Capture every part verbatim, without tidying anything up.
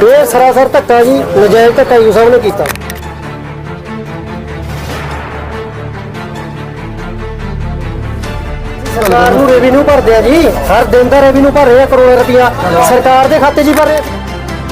ਇਹ ਸਰਾਸਰ ਧੱਕਾ ਜੀ, ਨਜਾਇਜ਼ ਧੱਕਾ ਯੂ ਸਾਹਿਬ ਨੇ ਕੀਤਾ। ਸਰਕਾਰ ਨੂੰ ਰੈਵਨਿਊ ਭਰਦੇ ਆ ਜੀ, ਹਰ ਦਿਨ ਦਾ ਰੈਵਨਿਊ ਭਰ ਰਹੇ ਆ, ਕਰੋੜਾਂ ਰੁਪਇਆ ਸਰਕਾਰ ਦੇ ਖਾਤੇ 'ਚ ਹੀ ਭਰ ਰਹੇ ਆ।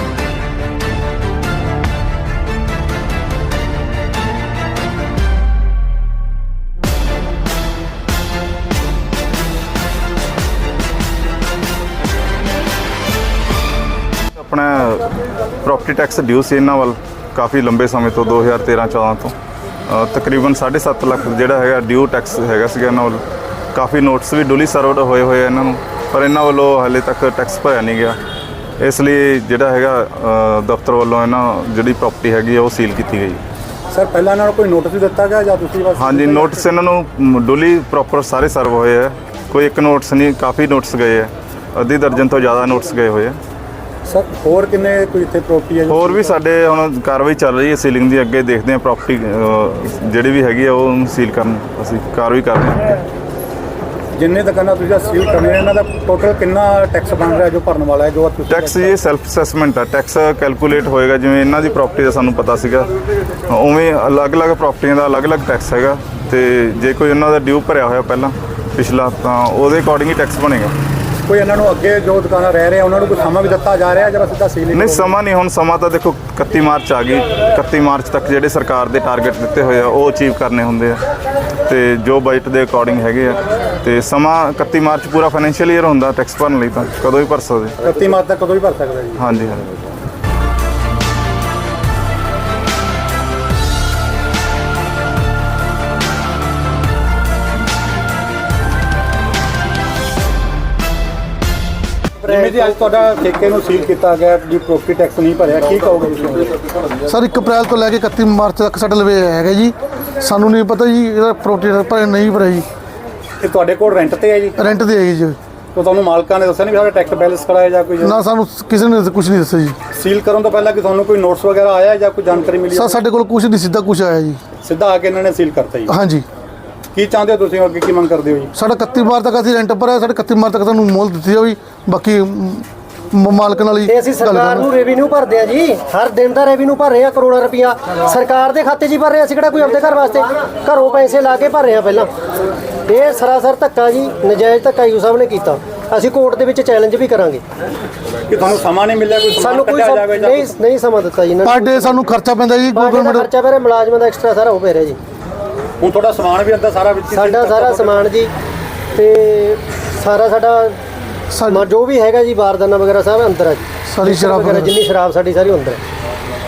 अपना प्रॉपर्टी टैक्स ड्यू से इन्हों वाल काफ़ी लंबे समय तो दो हज़ार तेरह चौदह तो अ, तकरीबन साढ़े सत्त लख जोड़ा है ड्यू टैक्स हैगा सीगा इन्हों वाल। काफ़ी नोटिस भी डुली सर्वड होए हुए इन्हों, पर इन्हों वालों हाले तक टैक्स भरया नहीं गया। इसलिए जोड़ा है दफ्तर वालों इन्हों जी प्रॉपर्टी हैगी वो सील की गई। सर पहला इन्हों कोई नोटिस भी दिता गया या तुसीं बस? हाँ जी, नोटिस इन्हों डुली प्रॉपर सारे सर्व होए है, कोई एक नोटिस नहीं, काफ़ी नोटिस गए है, अद्धी दर्जन तो ज़्यादा नोटिस गए हुए हैं। सर होर किन्ने कोई इत्थे प्रॉपर्टी है? ਹੋਰ ਵੀ ਸਾਡੇ ਹੁਣ ਕਾਰਵਾਈ ਚੱਲ ਰਹੀ ਹੈ ਸੀਲਿੰਗ ਦੀ, ਅੱਗੇ ਦੇਖਦੇ ਹਾਂ ਪ੍ਰੋਪਰਟੀ ਜਿਹੜੀ ਵੀ ਹੈਗੀ ਆ ਉਹ ਸੀਲ ਕਰਨ ਅਸੀਂ ਕਾਰਵਾਈ ਕਰਦੇ ਹਾਂ। जिन्ने दुकाना तुसीं सील करने इन्हां दा टोटल कितना टैक्स बन रहा है जो भरन वाला है जो तुसीं? ਟੈਕਸ ਇਹ ਸੈਲਫ ਅਸੈਸਮੈਂਟ ਆ, ਟੈਕਸ ਕੈਲਕੂਲੇਟ ਹੋਏਗਾ ਜਿਵੇਂ ਇਹਨਾਂ ਦੀ ਪ੍ਰਾਪਰਟੀ ਦਾ ਸਾਨੂੰ ਪਤਾ ਸੀਗਾ ਉਵੇਂ ਅਲੱਗ-ਅਲੱਗ ਪ੍ਰਾਪਰਟੀਆਂ ਦਾ ਅਲੱਗ-ਅਲੱਗ ਟੈਕਸ ਹੈਗਾ, ਤੇ ਜੇ ਕੋਈ ਉਹਨਾਂ ਦਾ ਡਿਊ ਭਰਿਆ ਹੋਇਆ ਪਹਿਲਾਂ ਪਿਛਲਾ ਤਾਂ ਉਹਦੇ ਅਕੋਰਡਿੰਗ ਹੀ ਟੈਕਸ ਬਣੇਗਾ। ਕੋਈ ਇਹਨਾਂ ਨੂੰ ਅੱਗੇ ਜੋ ਦੁਕਾਨਾਂ ਰਹਿ ਰਹੇ ਆ ਉਹਨਾਂ ਨੂੰ ਕੋਈ ਸਮਾਂ ਵੀ ਦਿੱਤਾ ਜਾ ਰਿਹਾ ਜਾਂ ਸਿੱਧਾ ਸੀਲ? ਨਹੀਂ ਸਮਾਂ ਨਹੀਂ, ਹੁਣ ਸਮਾਂ ਤਾਂ ਦੇਖੋ ਇਕੱਤੀ ਮਾਰਚ ਆ ਗਈ, ਇਕੱਤੀ ਮਾਰਚ ਤੱਕ ਜਿਹੜੇ ਸਰਕਾਰ ਦੇ ਟਾਰਗੇਟ ਦਿੱਤੇ ਹੋਏ ਆ ਉਹ ਅਚੀਵ ਕਰਨੇ ਹੁੰਦੇ ਆ, ਤੇ ਜੋ ਬਜਟ ਦੇ ਅਕੋਰਡਿੰਗ ਹੈਗੇ ਆ, ਤੇ ਸਮਾਂ ਇਕੱਤੀ ਮਾਰਚ ਪੂਰਾ ਫਾਈਨੈਂਸ਼ੀਅਲ ਈਅਰ ਹੁੰਦਾ ਟੈਕਸ ਭਰਨ ਲਈ, ਤਾਂ ਕਦੋਂ ਵੀ ਭਰ ਸਕਦੇ। ਇਕੱਤੀ ਮਾਰਚ ਤੱਕ ਕਦੋਂ ਵੀ ਭਰ ਸਕਦਾ ਜੀ? ਹਾਂਜੀ ਹਾਂਜੀ। ਜਿਵੇਂ ਜੀ ਅੱਜ ਤੁਹਾਡਾ ਠੇਕੇ ਨੂੰ ਸੀਲ ਕੀਤਾ ਗਿਆ ਜੀ, ਪ੍ਰੋਪਰਟੀ ਟੈਕਸ ਨਹੀਂ ਭਰਿਆ, ਕੀ ਕਹੋਗੇ ਤੁਸੀਂ? ਸਰ ਇੱਕ ਅਪ੍ਰੈਲ ਤੋਂ ਲੈ ਕੇ ਇਕੱਤੀ ਮਾਰਚ ਤੱਕ ਸਾਡੇ ਲਵੇ ਹੈਗਾ ਜੀ, ਸਾਨੂੰ ਨਹੀਂ ਪਤਾ ਜੀ ਇਹਦਾ ਪ੍ਰੋਪਰਟੀ ਭਰਿਆ ਨਹੀਂ ਭਰਿਆ ਜੀ। ਇਹ ਤੁਹਾਡੇ ਕੋਲ ਰੈਂਟ ਤੇ ਹੈ ਜੀ? ਰੈਂਟ ਤੇ ਹੈਗੀ ਜੀ। ਤਾਂ ਤੁਹਾਨੂੰ ਮਾਲਕਾਂ ਨੇ ਦੱਸਿਆ ਨਹੀਂ ਵੀ ਸਾਡਾ ਟੈਕਸ ਬੈਲੈਂਸ ਕਰਾਇਆ ਜਾਂ ਕੋਈ? ਨਾ ਸਾਨੂੰ ਕਿਸੇ ਨੇ ਕੁਝ ਨਹੀਂ ਦੱਸਿਆ ਜੀ। ਸੀਲ ਕਰਨ ਤੋਂ ਪਹਿਲਾਂ ਕਿ ਤੁਹਾਨੂੰ ਕੋਈ ਨੋਟਿਸ ਵਗੈਰਾ ਆਇਆ ਜਾਂ ਕੋਈ ਜਾਣਕਾਰੀ ਮਿਲੀ? ਸਰ ਸਾਡੇ ਕੋਲ ਕੁਝ ਨਹੀਂ, ਸਿੱਧਾ ਕੁਝ ਆਇਆ ਜੀ। ਸਿੱਧਾ ਆ ਕੇ ਇਹਨਾਂ ਨੇ ਸੀਲ ਕਰਤਾ ਜੀ? ਹਾਂਜੀ। ਕੀ ਚਾਹੁੰਦੇ ਹੋ ਤੁਸੀਂ ਅੱਗੇ, ਕੀ ਮੰਗ ਕਰਦੇ ਹੋ ਜੀ? ਸਾਡਾ ਇਕੱਤੀ ਮਾਰਚ ਤੱਕ ਅਸੀਂ ਰੈਂਟ ਭਰਿਆ, ਸਾਡੇ ਇਕੱਤੀ ਮਾਰਚ ਤੱਕ ਸਾਨੂੰ ਮੋਹਲ ਦਿੱਤੀ ਜਾਵੇ, ਬਾਕੀ ਮ- ਮਾਲਕ ਨਾਲ ਹੀ ਤੇ ਅਸੀਂ ਸਰਕਾਰ ਨੂੰ ਰੈਵਨਿਊ ਭਰਦੇ ਆ ਜੀ, ਹਰ ਦਿਨ ਦਾ ਰੈਵਨਿਊ ਭਰ ਰਹੇ ਆ, ਕਰੋੜਾਂ ਰੁਪਇਆ ਸਰਕਾਰ ਦੇ ਖਾਤੇ 'ਚ ਹੀ ਭਰ ਰਹੇ ਆ। ਅਸੀਂ ਕਿਹੜਾ ਕੋਈ ਆਪਣੇ ਘਰ ਵਾਸਤੇ ਘਰੋਂ ਪੈਸੇ ਲਾ ਕੇ ਭਰ ਰਹੇ ਆ ਪਹਿਲਾਂ। ਇਹ ਸਰਾਸਰ ਧੱਕਾ ਜੀ, ਨਜਾਇਜ਼ ਧੱਕਾ ਯੂ ਸਾਹਿਬ ਨੇ ਕੀਤਾ। ਅਸੀਂ ਕੋਰਟ ਦੇ ਵਿੱਚ ਚੈਲੰਜ ਵੀ ਕਰਾਂਗੇ। ਕਿ ਤੁਹਾਨੂੰ ਸਮਾਂ ਨਹੀਂ ਮਿਲਿਆ, ਕੋਈ ਸਾਨੂੰ ਕੋਈ ਕੱਢਿਆ ਸਮ- ਜਾਵੇ ਜਾਂ ਨਹੀਂ ਨਹੀਂ ਸਮਾਂ ਦਿੱਤਾ ਜੀ ਇਹਨਾਂ ਪਰ ਡੇ ਸਾਨੂੰ ਖਰਚਾ ਪੈਂਦਾ ਜੀ, ਨੇ। ਗਵਰਨਮੈਂਟ ਖਰਚਾ ਪੈ ਰਿਹਾ, ਮੁਲਾਜ਼ਮਾਂ ਦਾ ਐਕਸਟਰਾ ਸਾਰਾ ਉਹ ਪੈ ਰਿਹਾ ਜੀ। ਹੁਣ ਤੁਹਾਡਾ ਸਮਾਨ ਵੀ ਅੰਦਰ ਸਾਰਾ ਵਿੱਚ ਹੀ ਸਾਡਾ ਸੀਲ ਸਾਰਾ ਕਰਤਾ ਸਮਾਨ ਜੀ, ਤੇ ਸਾਰਾ ਸਾਡਾ ਸਾਡੀ ਜੋ ਵੀ ਹੈਗਾ ਜੀ, ਬਾਰਦਾਨਾ ਵਗੈਰਾ ਸਭ ਅੰਦਰ ਆ ਜੀ। ਸਾਰੀ ਸ਼ਰਾਬ ਵਗੈਰਾ ਜਿੰਨੀ ਸ਼ਰਾਬ ਸਾਡੀ ਸਾਰੀ ਅੰਦਰ ਹੈ।